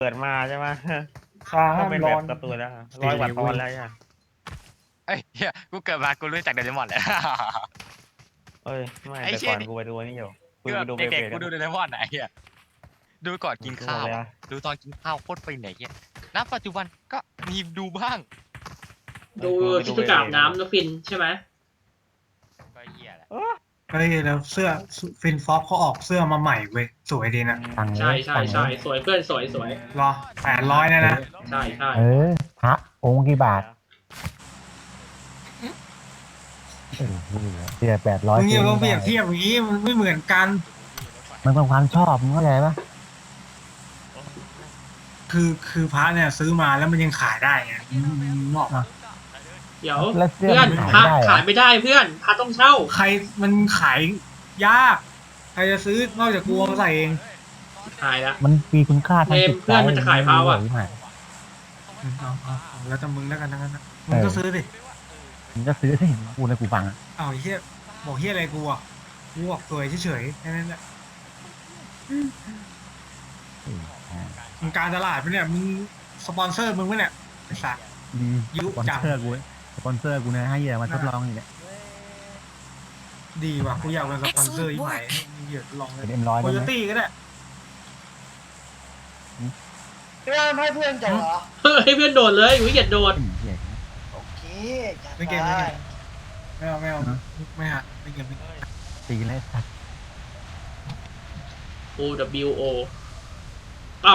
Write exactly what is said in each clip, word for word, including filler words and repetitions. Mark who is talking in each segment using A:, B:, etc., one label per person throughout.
A: เปิดมาใช่ไหม
B: ค้า
A: ก็
B: ห้าม
A: เป็น
B: ร้
A: แบ
B: อบ น
A: การ์ตูนแล้วร้อยกว่าตอนแล้วอ่ะ
C: เอ้ยเหี้ยกูเกิดมากูรู้จักโดเรมอนเลย
A: เอ้ยไม่
C: ไอ้
A: แต่
C: เชี่
A: ก่
C: ย
A: อน
C: นี่
A: กูไปดูนี่อยู่กู
C: คือ
A: ไป
C: แบบ
A: ดูเบ
C: เด็ก
A: เบ
C: ๆกูดูโดเรมอนไหนเฮียดูก่อนกินข้าวอะดูตอนกินข้าวโคตรฟินไหนเฮียณปัจจุบันก็มีดูบ้าง
B: ดูชิคุกะอาบน้ำแล้วฟินใช่ไหม
C: ก็เฮียแหละ
D: เฮ้ยแล้วเสื้อฟินฟ็อกเขาออกเสื้อมาใหม่เว้ยสวยดีนะ
E: ตังค์
B: ใช่ใช่ใช่สวยเพื่อนสวยสวย
D: รอแปดร้อยนะนะ
B: ใช่ใช่
E: เออพระองค์กี่บาทเออเสียแปดร้อย
D: มึงอย่ามาเปรียบเทียบอย่างนี้มันไม่เหมือนกัน
E: มันเป็นความชอบมึงเข้าใจปะ
D: คือคือพระเนี่ยซื้อมาแล้วมันยังขายได้ไงนอกมา
B: เดี๋ยว
E: แล้วเสื้อ
B: เพื่อน
E: มัน
B: พระ
E: ขายได้
B: ขายไม่ได้เพื่อนพระต้องเช่า
D: ใครมันขายยากใครจะซื้อนอกจากกูเอามาใส่เอง
B: ขายละ
E: มันมีคุณค่าทางจิต
B: เพื่
E: ใจ
B: อนมันจะขายพระว่ะ
D: เอาเอาเอาแล้วแต่มึงแล้วกันทั้งนั้นนะมึงก็ซื้อดิ
E: มึงก็ซื้อที่กูในกูฟังอ่ะ
D: เอาไอ้เฮียบอกเฮียอะไรกูอ่ะกูบอกสวยเฉยๆแค่นั้นแหละมึงการตลาดปะเนี่ยมึงสปอนเซอร์มึงปะเนี่ยไอ้สัส
E: มี
D: ยุ
E: สปอน
D: จัง
E: เซอร์กูสปอนเซอร์กูนะให้เหี้ยมาทดลองนี่แหละ
D: ดีว่ะกูอยากเป็นสปอนเซอร์อีกใหม่มึงเดี๋ยวลองเล
E: เป็
D: ย
E: นเอ็มร้อย
D: โค
E: ได้
D: โย
E: ไหม
D: ตี้ก็ได้
F: เพื่อนให้เพื่อนจังเหรอ
B: เฮ้ยเพื่อนโดดเลยวิเกียดโดด
E: เหี้ย
F: โอเคจัด
D: ไม่เกม
F: ไป
D: ไม่เกมไม่เอาไม่เอาไม่หาไม่เกมไม่
E: ตีเลยสัตว์
B: โอ W O ปับ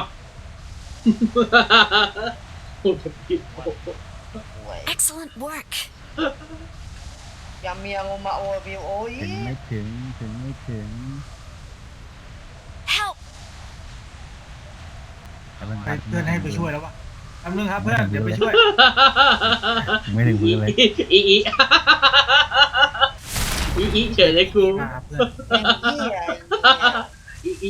B: โอ W O
F: ห่วย
G: Excellent work.
F: อย่าเมียงมาโอวิวโอ้ย
E: ถึงไม่ถึงถึงไม่ถึง
G: Help!
E: แต่มัน
D: ไปเพื่อนให้ไปช่วยแล้ววะทำนึงครับเพื่อนเดี๋ยวไปช่วย
E: ไม่ถึงมือเลย
B: อีอีอีอีเฉยเลยกู
D: มาครับเพื่อน
F: เป็นที่ไอ้
B: อีอี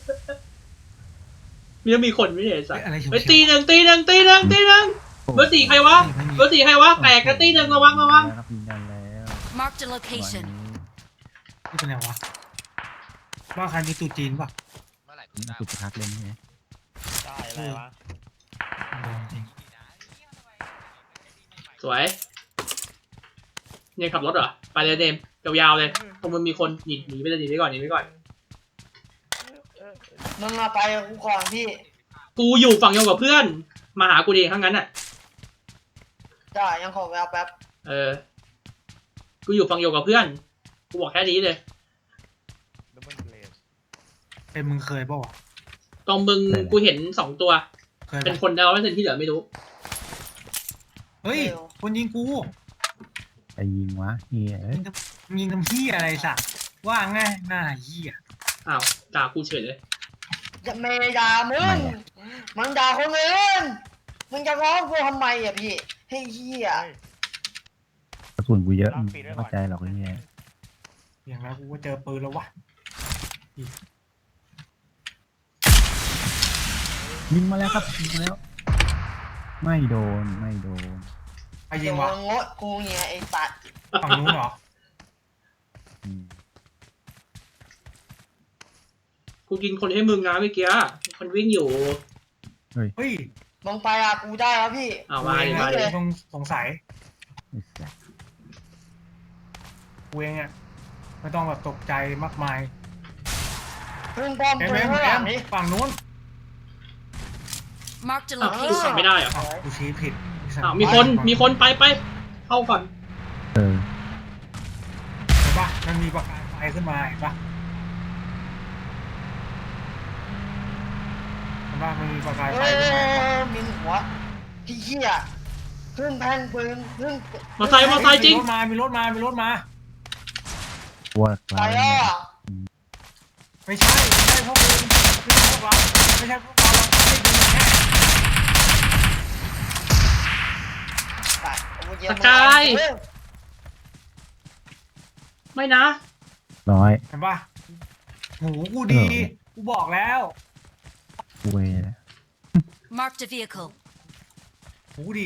B: มีต้องมีคนไม่ใช่สัตว์
D: อะไร
B: ไปตีหนึ่งตีหนึ่งตีหนึ่งตีหนึ่งเบอร์สี่ใครวะเบอร์สี่ใครวะแตกกันตีหนึ่งระวังระวัง
E: ครับยืนยันแล้ว
G: Marked a location.
D: นี่เป็นไงวะว่าใครมีตูจีนป่ะ
C: เมื่อไหร่กู
E: นี่
C: ได้
E: สุดทักเล่นใช่ไหม
A: ได้อะไรวะ
D: โดนจริง
B: สวยเนี่ยขับรถเหรอไปเลยเดมยาวๆเลยเพราะมันมีคนหนีหนีไปเลยหนีไปก่อนหนีไปก่อน
F: มึงมาไปกับกูก่อนพี่
B: กูอยู่ฝั่งเดียวกับเพื่อนมาหากูดีทั้งนั้นอ่ะ
F: จ้ายังขอแววแป๊บ
B: เออกูอยู่ฝั่งเดียวกับเพื่อนกูบอกแค่นี้เลย
A: ดับเบิลเบลด
D: เป็นมึงเคยป่าวะ
B: ตรงมึงกูเห็นสองตัว
D: เคย
B: เป็น
D: ปะ
B: คนดาวไม่เป็นที่เหลือไม่รู้
D: เฮ้ยคนยิงกู
E: ไปยิงวะเฮียเอ้ย
D: มึงยิงทำพี่อะไรสักว่าไงหน้าเหี้ย
B: อ้าวด่ากูเฉยเลย
F: จะเมย์ด่ามึงมึงด่าคนอื่นมึงจะร้องกูทำไมอ่ะพี่ให้เหี้ย
E: กระสุนกูเยอะมึงไม่เข้าใจหรอกไอ้เฮีย
D: อย่างนั้นกูก็เจอปืนแล้ววะ
E: ยิงมาแล้วครับยิงมาแล้ว ไม่โดนไม่โดน
D: ใครยิ
F: เดี๋ย
D: ง
F: ว
D: วะ
F: มึงงดกูเนี่ยไอ้สัตว์
D: ฝั่งนู้นเหรอ
E: อืม
B: กูกินคนให้มึงนะเมื่อกี้คนวิ่งอยู่
D: เฮ้ย
F: มึงไปอ่ะกูได้แล้วพี่
B: อ้าวมาดิมาดิ
D: สงสงสัย
E: ไอ้สัส
D: กูเองอ่ะไม่ต้องแบบตกใจมากมาย
F: เพิ่งป้อม
D: เอ็ม
F: ปื
D: เอ็
F: น
D: ม
F: ข้างห
D: เอ็
F: ลั
D: ม
F: งนี้
D: ฝั่งนู้น
G: Marked a
B: อ้าวกู
G: location.
B: ขับไม่ได้เหรอ
D: อ้าวกูชี้ผิด
B: อ้าวมีคนมีคนไปไปเข้าก่อน
E: เออ
D: เห็นปะมันมีประกายไฟขึ้นมาเห็นปะเห็นปะมันมีประกาย
F: เอ
D: ไฟขึ้นมา
F: อมีหัวที่เหี้ยเพิ่งแพงปืนเพิ่ง
B: มอไซค์มอไซค์จริง
D: มีรถมา มีรถมา มีรถมา
E: พวก
F: ไป
E: เรา
F: แล้ว
E: เนี่ย
F: อ่ะ
D: ไม่ใช่ ไม่ใช่พวกมึงไม่ใช่พวกเรา ไม่ใช่พวกเราเราไม่ดูแค่
F: ไปเอาเย็น
B: สกาย
F: เออ
B: ไม่นะ
E: น้อย
D: เห็นปะหูกูดี กูบอกแล้ว
E: เวยนะ
G: Marked a vehicle.
D: หูดี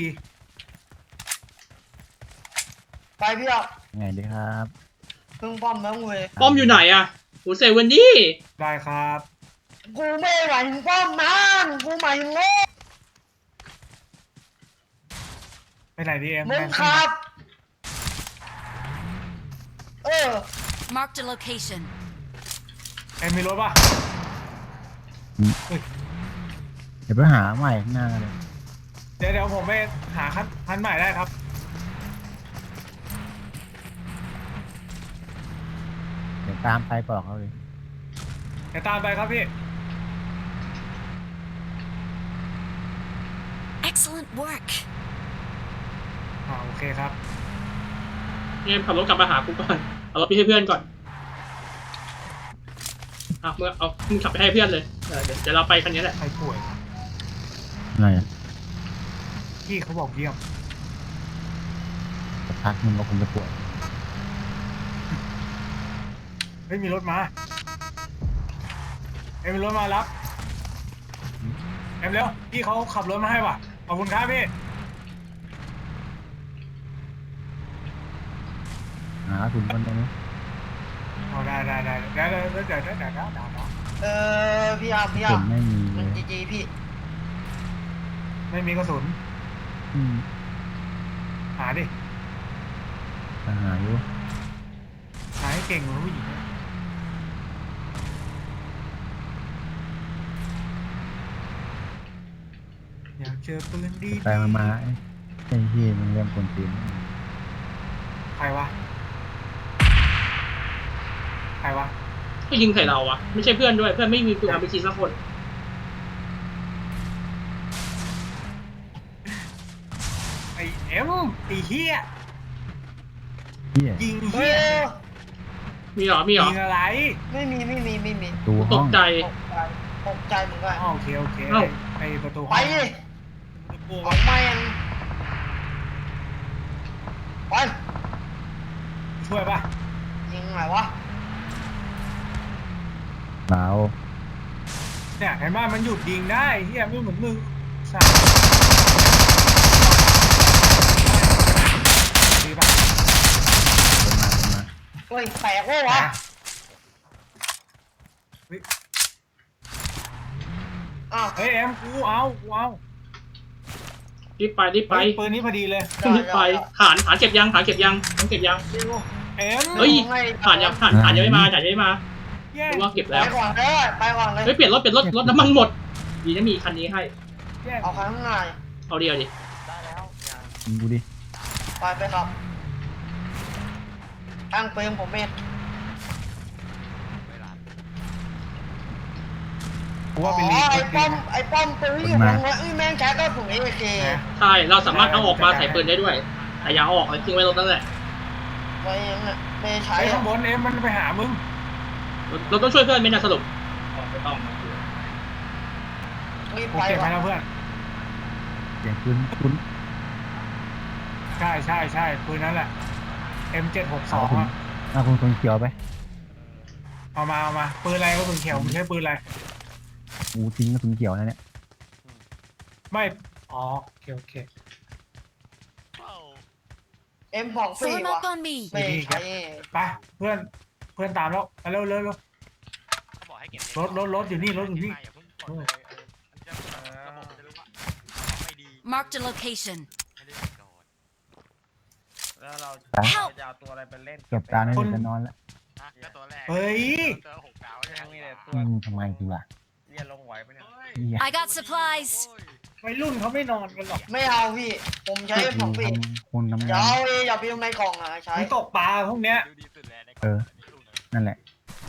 F: ไปพี่อ่ะ
E: ไงดีครับ
F: เพิ่งป้อมแล้วเว้ย
B: ป้อมอยู่ไหนอะโหเซเว่นดี้
D: ได้ครับ
F: กูไม่หมายถึงป้อมมันกูหมายถึงโง่
D: ไปไหนดีเอ็ม
F: มึงขับ เออ
G: Marked a location.
D: เอ็มมีรถป่ะ
E: เดี๋ยวไปหาใหม่ข้างหน้าเลย
D: เดี๋ยวเดี๋ยวผมไปหาคันคันใหม่ได้ครับ
E: เดี๋ยวตามไปบอกเขาเลย
D: เดี๋ยวตามไปครับพี่
G: Excellent work.
D: อ่าโอเคครับ
B: เอ็มขับรถกลับมาหากูก่อนเอารถไปให้เพื่อนก่อนอ่ะเมื่อเอามึงขับไปให้เพื่อนเลยเออเดี๋ยวเดี๋ยวเราไปคันนี้แหละ
D: ใครป่วย
E: อะไรอ่ะ
D: พี่เขาบอกเยี่ยม
E: สักพักมึงก็คงจะปวด
D: เฮ้ยมีรถมา เอ็มมีรถมารับ เอ็มเร็วพี่เขาขับรถมาให้ว่ะขอบคุณครับพี่
E: หาคุณคนตรงนี้
D: เอาได้ได้ได้ได้ได้ได้ได้ได้ได้ได้ได้
F: เออพี่อาร์มพี่อา
E: เห็
F: ร์
E: น
F: ม
E: ไม่มี
F: มั
E: เล
F: น
E: ย
F: จีจีพี่
D: ไม่มีกระสุน
E: อืม
D: หาดิ
E: หาอยู่
D: หาให้เก่งเหมือนผู้หญิงนะอยากเจอปืนดี
E: ไปมามาไอ้ไอ้ที่มันเริ่มคนตีน
D: ใครวะ ใครวะ
B: ก็ยิงใส่เราอะไม่ใช่เพื่อนด้วยเพื่อนไม่มีปืนอาร์พีจีสักคน
D: ไอเอ็มไอเฮีย
E: เฮีย
D: ยิง
F: เอ
D: เฮีย
F: อ
B: มีเหรอมีเหรอ
D: ยิงอะไร
F: ไม่มีไม่มีไม่มี
E: ตู
B: ต
E: ห้อก ง
B: ใจ
F: ตกใจตกใจเหมือนกัน
D: อ๋อโอเคโอเค
B: เอ้า
D: ไอประตู
F: ไป
D: ห้อง
F: ดิ
D: กลัว
F: ออกมายังไป
D: ช่วยป่ะ
F: ยิงไหนวะ
E: เบา
D: เนี่ยเห็นว่ามันหยุดยิงได้เฮียไม่เหมือนมึงใช่ดีป่ะ
E: ลงมาลงมา
F: เฮ้ยแตกวะวะ
D: เฮ้ย
F: อ้าว
D: เฮ้ยเอ็มกูเอากูเอา
B: รีบไปรีบไป
D: เฮ้ยปืนนี้พอดีเลย
B: รีบไปฐานฐานเก็บยังฐานเก็บยังฐานเก็บยัง
D: เอ็ม
B: เฮ้ย ฐานยังฐานฐานยังไม่มาฐานยังไม่มา
D: แย่
B: รู้ว่าเก็บ
F: ไป
B: แล้ว
F: ก่อนเลยไปก่อนเลย
B: เฮ้ยเปลี่ยนรถเปลี่ยนรถรถน้ำมันหมดดีนะมีคันนี้ให้
D: แย่
F: เอาข้างใน
B: เอาเดียวดิ
A: ได้แล้วอย่า
E: ยิงกูดิ
F: ไปไปครับตั้งปืนผมเอง
D: กูว่า
F: อ๋
D: เป็น
F: อ
D: ลี
F: ไอ้
D: ด
F: ป้อม
D: นะ
F: ไอ้ป้อมปืนอยู่ตรงนั้นเอ้ยแม่งใช้ก็ถุงเอเค
B: ใช่เราสามารถเอาออกมาใส่ปืนได้ด้วยแต่อย่าเอาออกเลยทิ้งไว้รถนั่นแหละ
F: ไว้ยังน่ะไม่ใช้
D: ไอ้
F: อะ
D: ข้างบนเอ็มมันไปหามึง
B: เราเราต้องช่วยเพื่อนไหมนะสรุปไม่ต้อง
F: รีบ
D: กู
F: ไป
D: เก็บไป
F: ว่ะ
D: แล้วเพื่อน
E: เสียงคุณคุณ
D: ใช่ใช่ใช่ปืนนั้นแหละ เอ็ม เจ็ดหกส
E: เอา
D: อง
E: คุณ
D: อ่ะ
E: เอาคุณคนเขียวไป
D: เอามาเอามาปืนอะไรก็ปืนเขียวมึงใช้ปืนอะไร
E: กูทิ้งกระสุนเขียวนะเนี่ย
D: ไม่ อ๋อโอเคโอเค
F: เอ็มของฟรี
G: Form
F: ว่ะ
G: up on me.
F: ไม่ใช้
D: ไปเพื่อนเพื่อนตามแล้วไปเร็วเร็วเร็ว
C: เขาบอกให้เก็บ
D: รถรถรถอยู่นี่รถอยู่นี่
C: อย่าเพิ่งกดเลยเออมันจะระบบมันจะรู้ว่าไม่ดี
G: Marked a location.
C: ไม่ได้โดน
A: แล้วเรา
E: ไป
A: เราจะเอาตัวอะไรไปเล่น
E: เก็บตาในอยจะนอนแล้ว
C: อ่ะก็ตัวแรก
D: เฮ้ย
C: ตัวหกดาว
A: ยังมีแต่ตั
E: อื
A: ว
E: มทำไมกูล่ะ
A: เรียนลงไหวไหมเนี่ย
E: เหี้ย
G: I got supplies.
D: วัยรุ่นเขาไม่นอนกันหรอก
F: ไม่เอาพี่ ผมใช้ของฟรี
E: ทำคนทำ
F: อย่าง
E: าน
F: เอาเองอย่าไปในกล่องอ่ะใช้
D: มึงตกปลาพวกเนี้ย
C: ดูดีสุดแล้วใน
E: เออ นั่นแหละ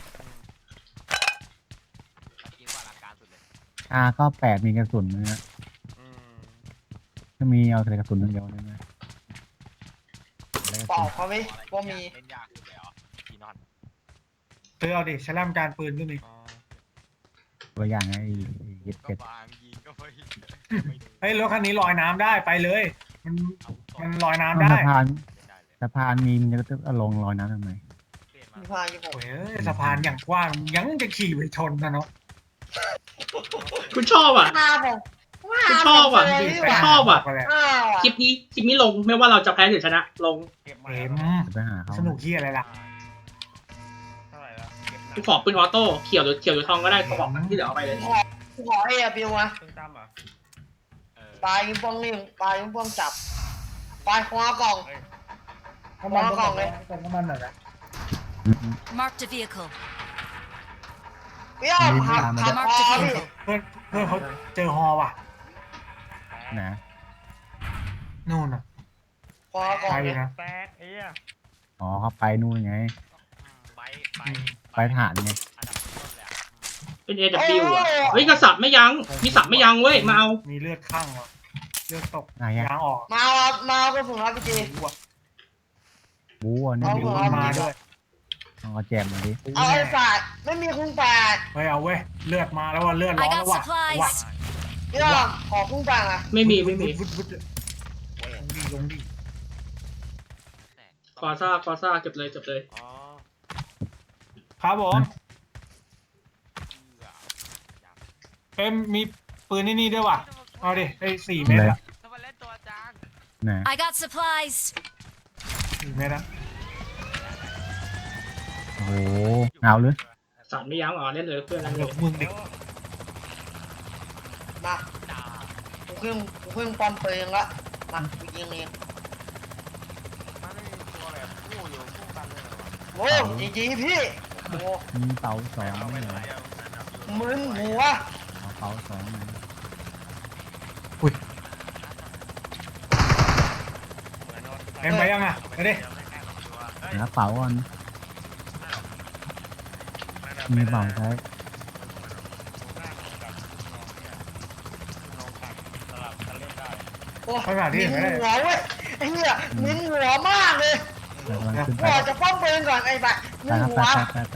C: คิดว่าหลักการสุดเลย
E: อาก็แปดมีกระสุนนะฮะ
A: อืม
E: ถ้ามีเอาแต่กระสุนอย่างเดียวเลยนะแล้วกระ
F: เปล่า
E: สุน
F: เขาไหมว่ามี
C: เล่นยากสุดเลยเหรอกีนอน
D: เธอเอาดิฉลามการปืนก็มี
A: อ๋อ
E: ตัวอย่างไอ้เย็ด
C: ก็
E: เป็ด
C: บางยิงก็ไม่ไม่ดู
D: เฮ้ยรถคันนี้ลอยน้ำได้ไปเลย มัน
C: เอาต่อ
D: มันลอยน้ำ
E: สะ
D: ได้
E: พาน
C: ได้เลย
E: สะพานมีมันจะเอาลงลอยน้ำทำไม
C: เปลี่ยนมา
F: มีพายี่หก
D: โอ้ยเอ้ยสะพานอย่างกว้างยังจะขี่ไปชนนะเนาะ
B: คุณชอบอ่ะ
F: ห้าผมห้า
B: คุณชอบอ่ะ
F: ผมเลยดีกว่า
B: ชอบอ่ะ
D: ไปเลย
F: ห้าว่ะ
B: คลิปนี้คลิปนี้ลงไม่ว่าเราจะแพ้หรือชนะ ลง
A: เก็บมา
D: เอ็ม
E: จะไปหาเขา
D: สนุกที่อะไรล่ะ
A: เท่าไหร่แล้วเก็บหนั
B: กูขอปืนออโต้เขียวหรือเขียวหรือทองก็ได้กระบอกนั้นที่เหลือเอาไปเลย
F: ขอขอเอบิวมา
A: เพิ่งจำเหรอ
C: เออ
F: ปลายิงป้องนิ่มปลายิงป้องจับปลาคว้ากล่อง
A: เฮ้ย
D: น้ำมัน
F: วางกล่องเลย
D: เติมน้ำมันหน่อยนะ
E: อืมอืม
G: Marked a vehicle.
F: เปรี้ยวหักหักคอพี่
D: เพื่อนเพื่อนเขาเจอฮอว่ะ
E: นะ
D: นู่นน่ะ
F: คว้ากล่อง
D: ไป
F: เลย
D: นะ
A: แตกไอ้เหี้ย
E: อ๋อเขาไปนู่นไง
C: ไปไป
E: ไปฐานไง
C: อันดับต้นเลยอะ
B: เป็น เอ ดับเบิลยู อ่ะเฮ้ยกระสับไม่ยั้งมีสับไม่ยั้งเว้ยมาเอา
D: มีเลือดข้างว่ะเลือดตก
E: ไหนอะ
D: ยางออก
F: มาเอามาเอากระสุนรับพี่จี
D: รู้ว่ะ
E: บู๊อ่ะนี่
F: เอา
E: บู๊
F: เอา
D: มาด้วย
E: ต้องเอาแจมมาดิ
F: เอาไอ้ฝาดไม่มีคุ้งแปด
D: เฮ้ยเอาเว้ยเลือดมาแล้วว่ะเลือดร้อ
G: I
D: นแล้ว
G: got
D: ว่ะว่ะ
G: supplies.
F: เปรี้ยวขอคุ้งแปดอ่ะ
B: ไม่มีไม่มี
D: วุดวุดวุดลงดิลงดิ
B: กอซ่ากอซ่าเก็บเลยเก็บเลย
C: อ๋อ
D: ครับผมเอ็มมีปืนนี่นี่ด้วยว่ะเอาดิไอ้สี่เมตรอะ
C: ทำไมเล่นตัวจาง
E: นะ
G: I got supplies.
D: สี่เมตรอะ
E: โอ้โหเอาเลย
B: สับไม่ยั้งอ๋อเล่นเลยเพื่อนเล่นเล
D: เดี๋ยวย มึงดิ
F: มากูขึ้นกูขึ้นป้อมปืนละมากูยิงเอง
A: มันไม่มีตัวแบบคู่อยู่คู่กันเลยเหรอวะ
F: โว้ยจีจีพี่โอ้
E: มีเสาสอง
A: เอาไป
E: นี่
A: ไหน
E: เหรอ
A: อะนั่นเอาอยู่
F: มึนหัว
E: เอาเสาสองนี่
D: เอ็มไปยังอะไปดิ
E: หาเป๋าก่อนมีเป๋าใช้
F: โอ้มินหัวเว้ยไอ้เหี้ยมินหัวมากเลย
E: แต่กำลังขึ้น
F: กู
E: ไป
F: ออกจากป้อมปืนก่อนไอ้บัตร
E: ไป
F: มิน
E: ครับ
F: หั
E: ไป
F: ว
E: ไปไปไป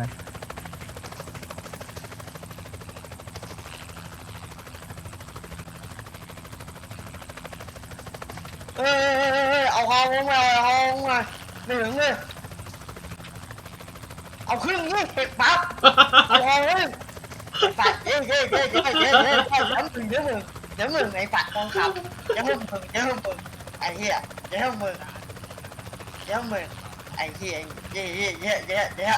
F: เออเอาคอลงมาเอาคอลงมาไม่ถึงเลยเอาครึ่งนี่เก็บปั๊บเอาคอลงปัดเย้เย้เย้เย้เย้เย้ไปย้ำถึงเดี๋ยวมึงเดี๋ยวมึงไอ้ปัดทองคำเดี๋ยวมึงเดี๋ยวมึงไอ้เหี้ยเดี๋ยวมึงเดี๋ยวมึงไอ้เหี้ยเย้เย้เย้เย้เย้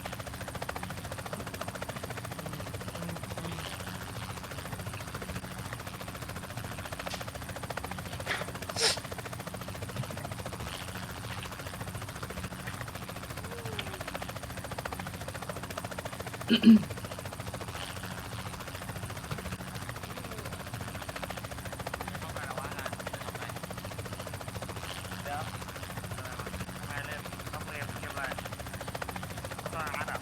A: เดี๋ยวทำไมเล่นต้องเล่นเกมอะไรตัวอาร์ตอ่ะ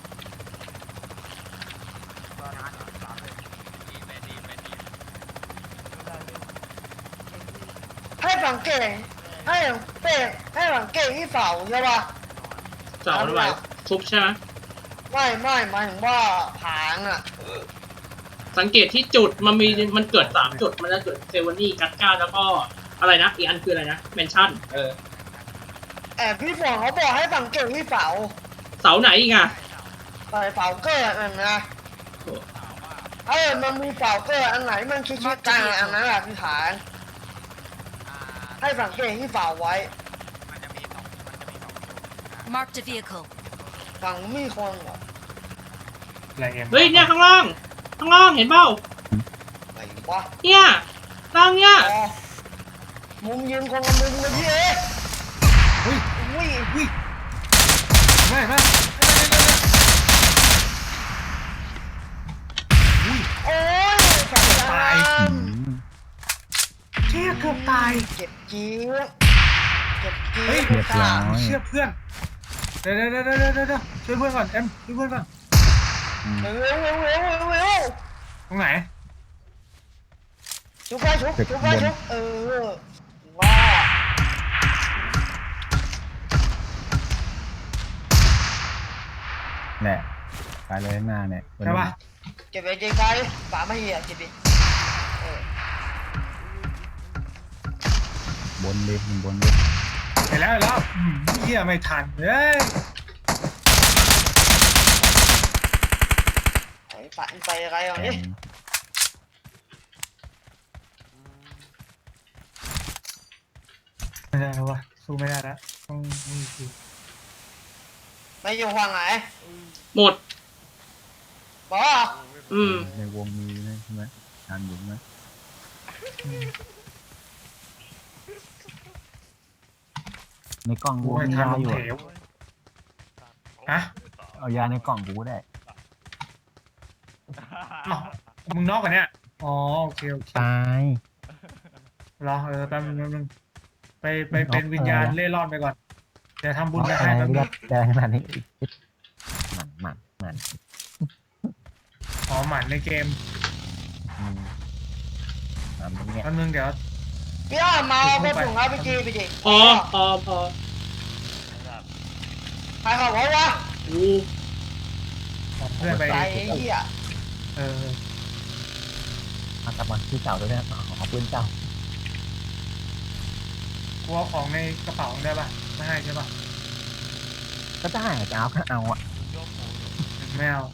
A: ตัวอาร์ตอ่ะสามเลย
C: ดีแมนดีแมนดี
A: ไม่ได้เลย
F: ให้สังเกตให้เป้ให้สังเกตที่เสาใช่ป่ะ
B: เสาทำไมทุบใช่ไหม
F: ไม่ไม่หมายถึงว่าผางอ่ะ
B: สังเกตที่จุดมันมีมันเกิดสามจุดมันจะเกิดเซเวนี่กัสกาแล้วก็อะไรนะอีกอันคืออะไรนะเมนชั่นเออ
F: แอบพี่ฝนเขาบอกให้สังเกตที่เสา
B: เสาไหนอีกอ่ะ
F: ใส่เสาเกิดอันนะเออมันมีเสาเกิดอันไหนมันคิดคิดกันอันนั้นแหละพี่ผาง
C: อ่า
F: ให้สังเกตที่เสาไว้
C: มันจะมีสองมันจะมีสองจุดอ่า
G: Marked a vehicle.
F: ฝั่งมีคนเหรอ
D: อะไรเอ็ม
B: เฮ้ยเนี่ยข้างล่างข้างล่างเห็นเปล่า
F: ไหนวะ
B: เนี่ยล่างเนี่ย
F: อ๋อมุมยืนคนละมุมเลยพี่เอ๋
D: เฮ้ย
F: อุ้ย
D: อุ้ยไม่ไม่
F: โอ้ยสายตา
E: อืม
D: เชี่ยเกือบตาย
F: เจ็บจี๊ดเจ็บจี๊
D: เฮ้ย
F: ด
E: เรียบร้อย
D: เชื่อเพื่อนเดี๋ยวเดี๋ยวเดี๋ยวเดี๋ยวเดี๋ยวช่วยเพื่อนก่อนเอ็มช่วยเพื่อนก่อน
E: อืม
F: เร็วเร็วเร็วเร็วเร็ว
D: ตรงไหน
F: ชุบไปชุบชุบไปชุบเออว้า
E: แหละไปเลยข้างหน้าเนี่ย
D: ใช่ปะ
F: เก็บไปเก็บไปป่าไม่เหี้ยเก็บดิเออบ
E: นดิมันบนดิ
D: เห็นแล้วเห็นแล้วอืมเหี้ยไม่ทันเฮ้ย
F: ไอ้ป่าไปอะไรอ่ะ
E: แอ
F: นี่
E: ม
D: ไม่ได้แล้ววะสู้ไม่ได้แล้วต้องนี่คือ
F: ไม่อยู่ฝั่งไหน
B: หมด
F: บอกว่า
B: อืม
E: ในวงมีนะใช่ไหมทานอยู่ไหมในกล่อง
D: กู
E: กู
D: ให้
E: มี
D: ทาน
E: ยา
D: ล
E: อยู่
D: ม
E: อะ
D: เหวฮะ
E: เอายาในกล่องกูก็ได้
D: อ้าวมึงนอกกันเนี่ยอ๋อโอเคโอเค
E: ตาย
D: รอเออแป๊บนึงแป๊บนึงไปไปเป็นวิญญาณเล่ร่อนไปก่อนเดี๋ยวทำบุญ
E: เอา
D: ไป
E: อะ
D: ให้
E: ไร
D: แป๊บนึ
E: ก็
D: ง
E: ได้ขนาดนี้หมันหมันหมัน
D: อ๋อหมันในเกม
E: อืมหมันเป็นเงี้ย
D: แป๊บนึงเดี๋ยว
F: พี่อ้อมมาเอาแค่ถุงเอาไปจีไปจี
B: พอพอพอ
F: ใครเขาบอกว่า
B: กู
D: บอกเพื่อนไป
F: ไปไอ้เหี้ย
D: เออ
E: เอากลับมาที่เก่าด้วยนะเอาเอาปืนเก่า
D: กูเอาของในกระเป๋าได้ปะไม่ให้ใช่ปะ
E: ก็ได้จะเอาก็เอาอ่ะ
D: ไม่เอา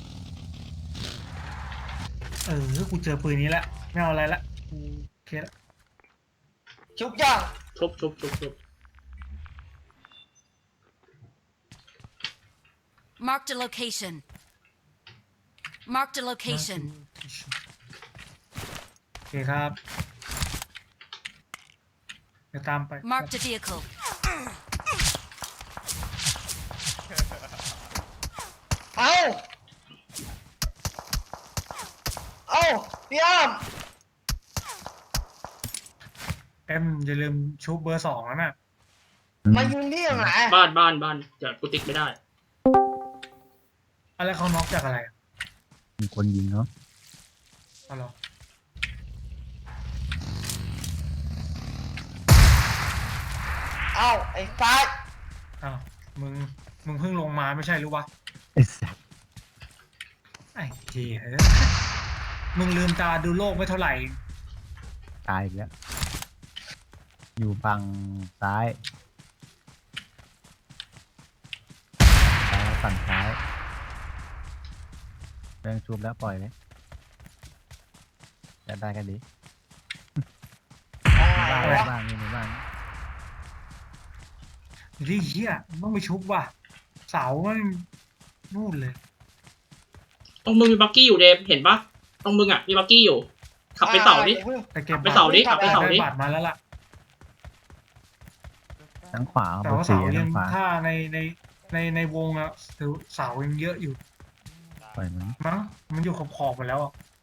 D: เออกูเจอปืนนี้ละไม่เอาอะไรละกูโอเคละ
F: ชุบย่าง
B: ชุบชุบชุบชุบ
G: Marked a location. Marked a location.
D: โอเคครับเดี๋ยวตามไป
G: Marked a vehicle.
F: เอาเอาพี่อ้อม
D: เอ็มอย่าลืมชุบเบอร์สองแล้วน่ะ
F: มายืนที่ตรงไหน
B: บ้านบ้านบ้านเดี๋ยวกูติ๊กไม่ได้
D: อะไรเขาน็อกจากอะไรอะ
E: มีคนยิงเนาะ
D: เอาเหรอ
F: เอาไอ้ฟ้า
D: อ้าวมึงมึงเพิ่งลงมาไม่ใช่หรือวะ
E: ไอ้สัส
D: ไอ้เหี้ยมึงลืมตาดูโลกไม่เท่าไหร่
E: ตายอีกแล้วอยู่ฝั่งซ้ายซ้ายฝั่งซ้ายแรงชุบแล้วปล่อยเลยจะได้กันดี
F: เอา
E: บ้าน
F: ไง
E: ใน
F: วะ
E: บ้านนี่ในบ้าน
D: อยู่ที่เหี้ยมึงต้องไปชุบว่ะเสามันนู่นเลย
B: ตรงมึงมีบักกี้อยู่เดมเห็นปะตรงมึงอ่ะมีบักกี้อยู่ ขับไปเสาดิ
D: แต่เก็บ
B: ไปเสาดิขับไปเสาดิ
D: ได้บัตรมาแล้วล่ะ
E: ทางขวา
D: แต่
E: เบอ
D: ว่า
E: ร์สี่
D: เสายั
E: ทาง งขวา
D: ถ้าในในในในวงอะถือเสายังเยอะอยู่
E: ปล่อยมัน
D: มั้งมันอยู่ขอบขอบๆหมดแล้วอะ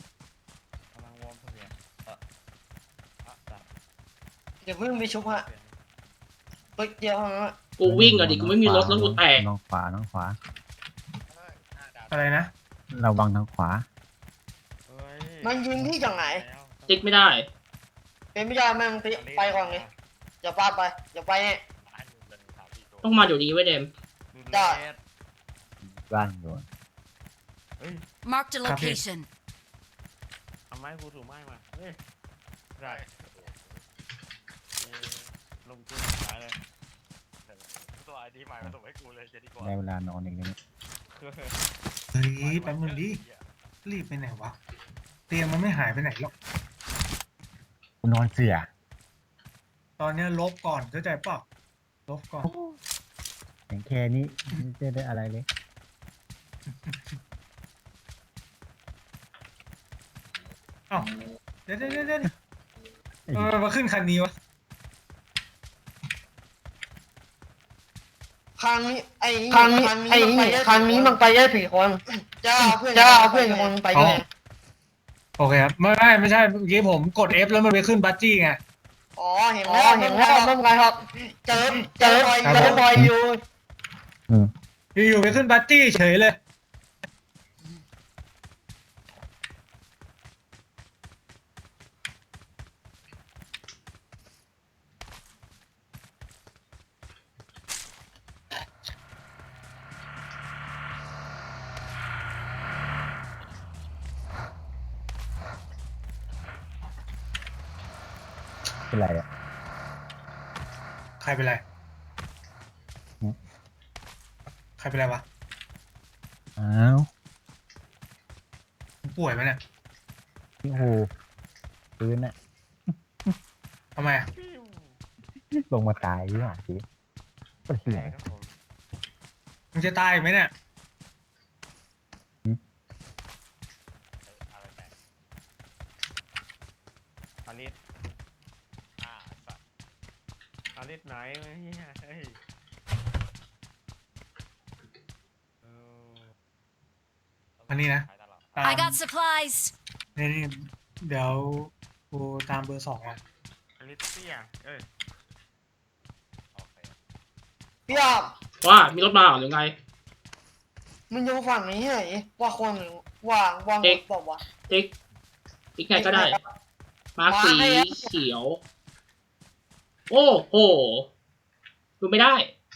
F: เดี๋ยวเพิ่งไปชุบฮะไปเดียวฮะ
B: กูวิ่งอะดิกูไม่มีรถแล้วกูแตก
E: น้องขวาน้องขวา
D: อะไรนะ
E: ระวังทางขวา
F: มันยืนที่ตรงไหน
B: ติ๊กไม่ได้
F: เป็นไม่ได้แม่งไปก่อนเลยอย่าพลาดไปอย่าไปเนี่ย
B: ต้องมาเดี๋ยวนี้ไว้เดม
F: ได้
E: บ้านโดน
G: Marked a location.
A: ทำไมกูถูกไม้มาเฮ้ยได้ลงทุนขายเลยตัวไอดีใหม่มาส่งให้กูเลยจะดีกว่า
E: ได้เวลานอนอีกแล้วเนี่ย
D: เฮ้ยแป๊บนึงดิรีบไปไหนวะเตียงมันไม่หายไปไหนหรอก
E: กูนอนเสือ
D: ตอนเนี้ยลบก่อนเข้าใจเปล่าลบก่อน
E: อย่างแค่นี้ไม่ได้ได้อะไรเลย
D: เอ้าเดี๋ยวเดี๋ยวเดี๋ยวเดี๋ยวเออมาขึ้นคันนี้วะ
F: ครั้งนี้ไอ้ครั้งนี้ไอ้ครั้งนี้มันไปได้สี่คนจะเอาเพื่อนจะเอาเพื่อนคนไปด้วย
D: โอเคครับไม่ไม่ไม่ใช่เมื่อกี้ผมกด F แล้วมันไปขึ้นบัตจี้ไง
F: อ๋อเห็นแล้วเห็นแล้วไม่เป็นไรครับเจอเจอบอยเจอบอยอยู่
E: อืม
D: อยู่ๆไปขึ้นบัตจี้เฉยเลย
E: เป็นไรอ่ะ
D: ใครเป็นไร
E: หืม
D: ใครเป็นไรวะ
E: อ้าว
D: มึงป่วยไหมเนี่ย
E: พี่โหปืนอ่ะ
D: ทำไมอะ
E: ลงมาตายหรือเปล่าสิก็เหี้ย
D: มึงจะตายไหมเนี่ย
E: หืม
A: อาลิสไหนวะเฮียเฮ้ยเออ
D: อันนี้นะตาม
G: I got supplies.
D: นี่นี่เดี๋ยวกูตามเบอร์สองอ่ะ
A: อาลิสเตี้ยเอ้ย
F: พี่อาบ
B: ว่ามีรถมาเหรอหรือไง
F: มันอยู่ฝั่งนี้เหรอว่าคนหรือว่าวางรถบอกว่า
B: ติ๊กติ๊กไงก็ได้ มาร์คสีเขียว โอ้โหดูไม่ได้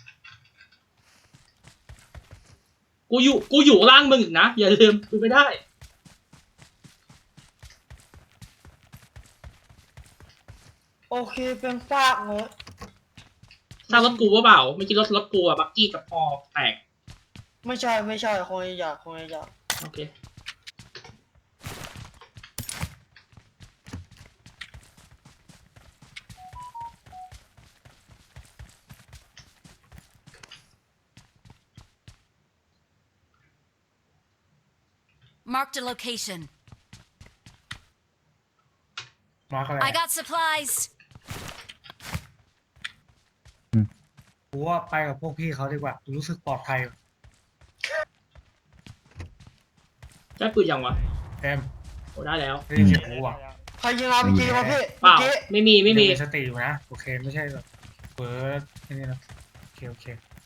B: กูอยู่กูอยู่ล่างมึงอีกนะ อย่าลืมดูไม่ได้
F: โอเคเป็นฝากเนอะ
B: ถ้ารถกูว่าเปล่าไม่คิดรถรถกูอะบักกี้กับพอแตก
F: ไม่ใช่ไม่ใช่คงอยากคงอยาก
B: โอเค
G: Marked a location.
D: มาร์คอะไร
G: I got supplies.
D: กูว่าไปกับพวกพี่เขาดีกว่ากูรู้สึกปลอดภัย
B: ได้ปืนยังวะ
D: เต็ม
B: โอ้ได้แล้ว
D: ได้ยินเสียงกูอ่ะ
F: ใครยิงอาร์พีจีมาพี่
B: เปล่า
F: เมื่อกี้
B: ไม่มีไม่มี
D: ยังสติอยู่นะโอเคไม่ใช่แบบเปิดไอ้นี่นะโอเคโอเค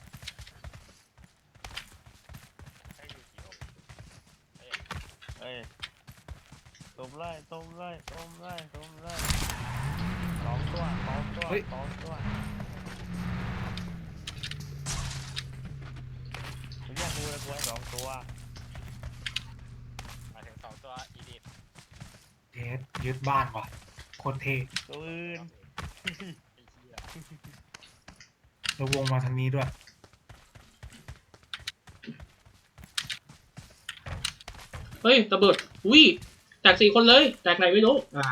A: เอ้ยต้มไล่ต้มไล่ต้มไล่ต้มไล่สองตัวสองตัวสองตัวเรียกกูเลยกูให้สองตัวมาถึงสองตัวอีดิท
D: เทสยึดบ้านว่ะโคตรเท่
A: ตัวอื่น
D: แล้ววงมาทางนี้ด้วย
B: เฮ้ยระเบิดอุ้ยแตกสี่คนเลย แตกไหนไม่รู้อ้าว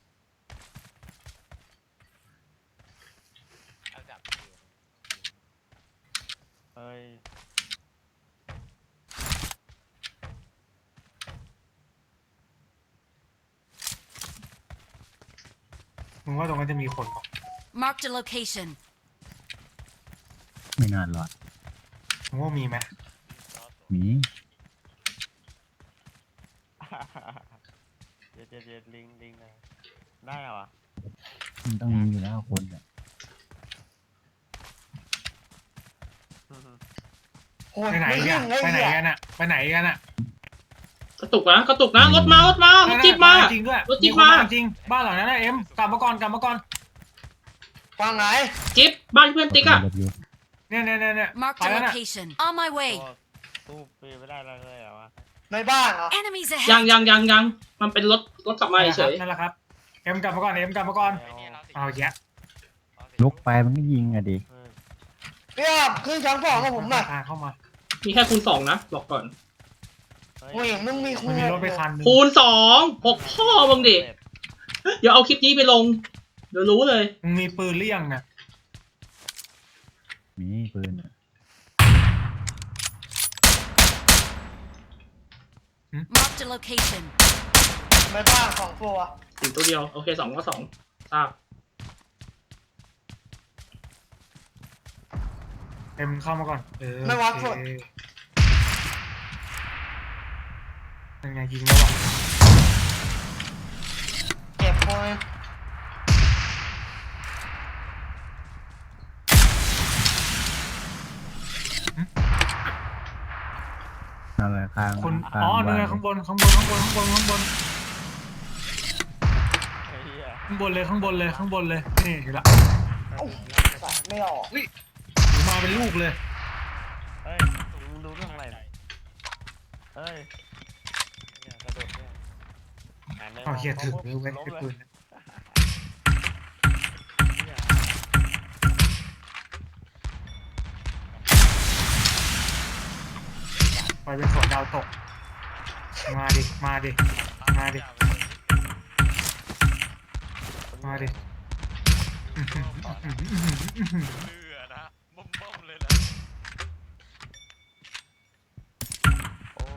A: เฮ้ย
D: มึงว่าตรงนั้นจะมีคนปะ
G: Marked a location.
E: ไม่นานหรอก
D: มึงว่ามีไหม
E: มี
A: เจ็ดเจ็ดเจ็ดลิงลิงนะได้เหรอ
E: มันต้องมีอยู่แล้วคนอ่ะ
F: โอ้ย
D: ไปไหน
F: ไม่
D: กั
F: ยิ
D: น
F: งเลย
D: ไปไหน
F: เนี่ย
D: กันอะไปไหนกันอะ
B: กระตุกนะกระตุกนะรถมารถมารถจิ๊บมา
D: จริงด้วย
B: รถจิ๊บ
D: คน
B: มา
D: จริงบ้านหลังนั้นนะเอ็มกลับมาก่อนกลับมาก่อน
F: ฝั่งไหน
B: จิ๊บบ้านเพื่อนติ๊กอะ
E: รถอยู่
D: เนี่ยเนี่ยเนี่ยเนี่ย
G: Marked
D: ไป
G: a
D: แล้วน่ะ
G: location. On my
A: ตัว
G: way.
A: ตู้ปีไม่ได้เลยเหรอวะ
F: ในบ้านเหรอ
G: Enemies
B: ยัง
G: ahead.
B: ยังยังยังมันเป็นรถรถกลับมาเฉย
D: นั่นแหละครับเอ็มกลับมาก่อนเอ็มกลับมาก่อน เอาแยะ
E: ลุกไปมันก็ยิงอะดิ
A: เออ
F: พี่อาบขึ้นชั้นสองกับผมหน่อย
D: ทางเข้ามา
B: มีแค่คูณสองนะบอกก่อน
A: เฮ้ย
F: กูเห็นมึงมีคู่
D: มันมีรถไปคันหนึง
B: คูณสองหกพ่อมึงดิเดี๋ยวเอาคลิปนี้ไปลง เดี๋ยวรู้เลย
D: มึงมีปืนเลี่ยงนะ
E: มีปืนอะ
G: Marked a location.
F: ในบ้านสองตัว
B: ถึงตัวเดียว โอเคสองก็สองทราบ
D: เอ็มเข้ามาก่อนเออ
F: ไม่วัด
D: โอ
F: สุด
D: เคเป็นไงยิงแล้ววะ
F: เก็บคน
E: นั่นแหละข้าง
D: คน
E: ข้าง
D: อ๋อ
E: บ้า
D: เนี่ย
E: น
D: ข้างบนข้างบนข้างบนข้างบนข้างบน
A: ไอ้เหี้ย
D: ข้างบนเลยข้างบนเลยข้างบนเลยนี่เห็นละ
F: ใส่ไม่ออก
D: หรือมาเป็นลูกเลย
A: เฮ้ยมึงดูเรื่องอะไรน่ะเฮ้ยเนี่ยกระโดดเนี่ยหันไป
D: เอาเฮีย
A: ม
D: ถึง
A: ปุ๊บ
D: เลยเว้ย
A: ล้ม
D: ไอ้
A: เลย
D: ปืน
A: เหี้ย
D: ไปเป็นสวนดาวตก มาดิ มาดิ มาดิ มาดิ
C: เลือนะบ้มๆเลยนะ
A: โอ้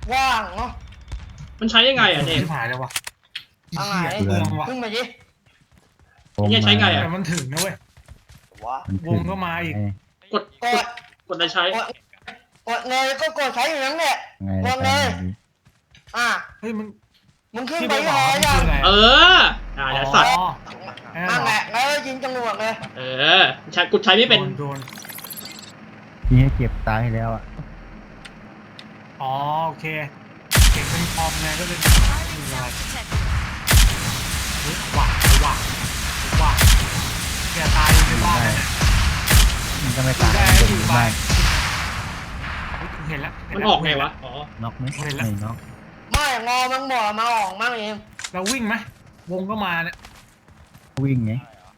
F: ว่างเนาะ
B: มันใช้ยังไงอ่ะเนม
D: ที่หายเลยวะ
F: เอาไง
D: เหี้ยเปลืองว่ะ
F: ขึ้นมาดิ
B: เนี่ยใช้ไงอะ
D: แต่มันถึงนะเว้ย
F: ว้า
E: มันถึ
D: วงก็มาอีก
E: ไง
B: กด
F: ก
B: ก
F: ด
B: ดกดอะไรใช้
F: กดกดเลยก็กดใช้อยู่นั่นแหละ
E: ไง
F: วงเลย อ่ะ
D: เฮ้ยมัน
F: มึงขึ้น
D: ที่
F: ไป
D: ไป
F: ที่
D: บ
F: ห
D: อก
F: อ
D: มัน
F: ยั
D: คื
F: ง
D: ออะไร
B: เอออ่าเดี๋ยวสัตว์
D: อ๋อ
F: นั่นแหละแล้วยิงจรวดเลย
B: เออใช้กูใช้ไม่เป็น
D: โดโดน
E: ที่ให้เก็บตายแล้วอ่ะ
D: อ๋อโอเคเก่งเป็นคอมไงก็เลย
G: Target self detected.
D: เฮ้ยหวักหวักหวักแกตายอยู่ในบ้านนั่นแหละ
E: มันก็ไม่ตาย
D: ได้
E: มัน
D: อ
E: อยู่ ยู่
D: บ้า
E: บ้าน น
D: เห็นแล้วเห็
B: มัน
D: แล้ว
B: ออกไงวะอ๋อ
E: น็อกไหม
D: เห็นแล้ว
E: ไม่น็อก
F: ไม่งอมันบอกมาออกมั่งเอง
D: เราวิ่งไหมวงก็มาเนี่ย
E: วิ่งไง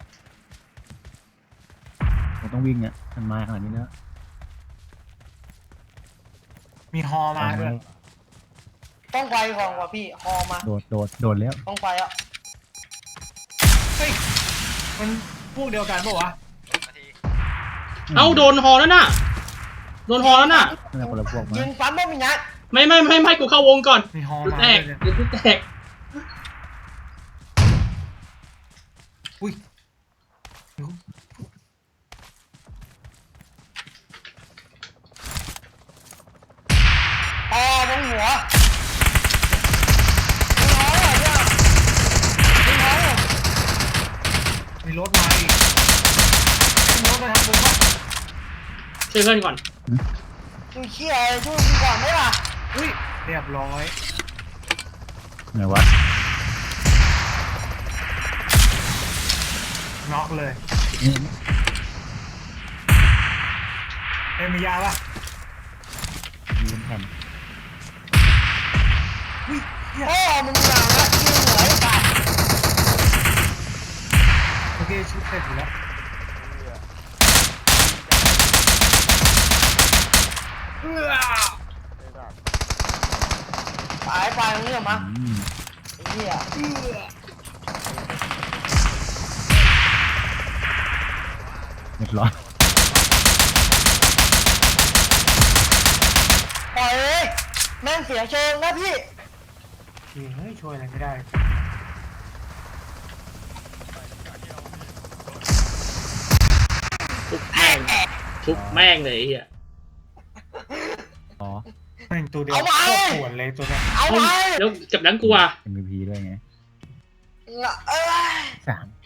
E: ผมต้องวิ่งอ่ะมันมาขนาดนี้แล้ว
D: มีฮอมาด้วย
F: ต้องไปก่อนว่ะพี่ฮอมา
E: โดดโดดโดดแล้ว
F: ต้องไปอ่ะ
D: เฮ้ยมันพวกเดียวกันปะวะ
B: เอ้าโดนฮอแล้วน่ะโดนฮอแล้วน่ะ
E: นั่นแหละคนละพวกมา
F: ยิงปั๊มไม่มีนัด
B: ไม่ไม่ไม่ไม่กูเข้าวงก่อน
D: มีฮอ
B: กู
D: มา
B: แต
D: ด้ว
B: ก
D: ยเนี่ย
B: เดี๋ยวกูแตก
D: อุ้ย
F: ฮอตรงหัวยิงฮอเหรอเนี่ยยิงฮอเหรอ
D: มีรถมาอีกมีรถมาทางผมปะ
B: ช่วยเพื่อนก่อน
F: ดูเชี่ยช่วยกูก่อนไหมล่ะ
D: อุ้ยเรียบร้อย
E: ไหนวะ
D: น็อกเลย
E: นี่
D: เอ็มมียาปะ
E: ยืนแผ่น
D: อุ้ยเหี้ย
F: พ่อมึงหนังละยิงเหนือไอ้สัตว์
D: โอเคชุดเสร็จอยู่แล้วเอื้อ
F: ตายไปมึงเนี่ยมา
E: อืม
F: ไอ้เหี้ย
E: เรียบร้อย
F: ปล่อยเลยแม่งเสียเชิงนะพี่
D: เฮ้ยช่วยอะไรไม่ได้
B: ทุบแม่งทุบแม่งเลยไอ้เฮีย
E: อ๋อ
D: แม่งตัวเดียว
F: เอา
D: โค
F: ไว้
D: ตรปวดเลยตัวเนี้ย
F: เอาไป
B: แล้วกับนั้นกูอ่ะ
E: เอ็มวีพีด้วยไง
F: เอ้ย
E: สาม